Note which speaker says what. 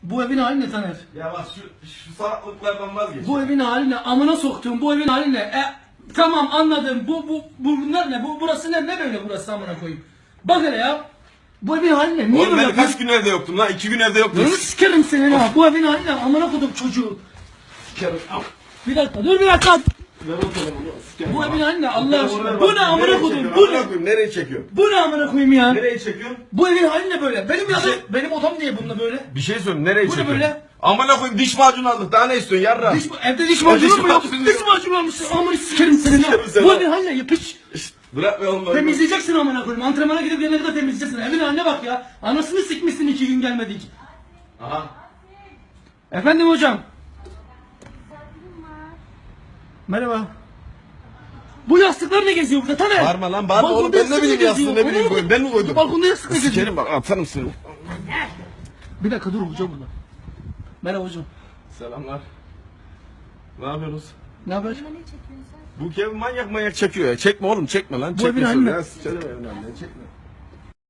Speaker 1: Bu evin hali ne Taner?
Speaker 2: Ya bak şu salaklıklardan vazgeç.
Speaker 1: Bu evin hali ne? Amına soktuğum bu evin hali ne? Tamam anladım. Bunlar ne? Burası ne böyle burası amına koyayım. Bak hele ya. Bu evin hali ne? Niye
Speaker 2: Oğlum
Speaker 1: böyle
Speaker 2: ben
Speaker 1: yapıyorsun?
Speaker 2: kaç gün evde yoktum lan? 2 gün evde yoktum.
Speaker 1: Nasıl sikerim seni ha? Bu evin hali ne? Amına koydum çocuğu.
Speaker 2: Sikerim.
Speaker 1: Bir dakika dur bir dakika.
Speaker 2: Ver o telefonu. Sikerim.
Speaker 1: Bu evin hali ne? Allah
Speaker 2: Telefonu
Speaker 1: aşkına.
Speaker 2: ver
Speaker 1: Bu
Speaker 2: bak.
Speaker 1: ne amına
Speaker 2: Nereye
Speaker 1: koydum?
Speaker 2: çekiyorsun?
Speaker 1: Bu
Speaker 2: Amına
Speaker 1: ne?
Speaker 2: koyayım, nereye çekiyorsun?
Speaker 1: Bu ne amına koyayım ya?
Speaker 2: Nereye çekiyorsun?
Speaker 1: Bu evin hali ne böyle? Benim odam niye bununla böyle?
Speaker 2: Bir şey söyle, nereye
Speaker 1: Bu ne
Speaker 2: çekiyorsun?
Speaker 1: böyle?
Speaker 2: Amına koyayım, diş macunu aldık. Daha ne istiyorsun yarra?
Speaker 1: Evde diş macunu mu yok?
Speaker 2: macunu
Speaker 1: Diş
Speaker 2: yok.
Speaker 1: macunu almışsın. Amına sikerim seni ha.
Speaker 2: Sikerim seni
Speaker 1: Bu
Speaker 2: ha.
Speaker 1: evin hali ne? Yapış.
Speaker 2: Bırak be oğlum.
Speaker 1: Temizleyeceksin amına koyayım. Antrenmana gidip gelene kadar temizleyeceksin. Evin haline bak ya. Anasını sikmişsin 2 gün gelmedik.
Speaker 2: Aha.
Speaker 1: Efendim hocam. Merhaba. Bu yastıklar ne geziyor burada Taner?
Speaker 2: Bağırma lan, bağırma
Speaker 1: Balkonda
Speaker 2: oğlum. Ben ne
Speaker 1: yastık
Speaker 2: bileyim
Speaker 1: geziyor?
Speaker 2: yastığı, ne bileyim koyayım. Ben mi koydum?
Speaker 1: Balkonda yastık ne geziyor?
Speaker 2: Sikerim bak, atarım seni.
Speaker 1: Bir dakika dur hocam burada. Merhaba hocam.
Speaker 2: Selamlar. Ne yapıyorsunuz?
Speaker 1: Ne haber?
Speaker 2: Bu Kevin manyak çekiyor ya. Çekme oğlum, çekme lan.
Speaker 1: Bu
Speaker 2: Çekme
Speaker 1: evin
Speaker 2: şöyle
Speaker 1: haline.
Speaker 2: ya. Sikerim evin haline. Çekme.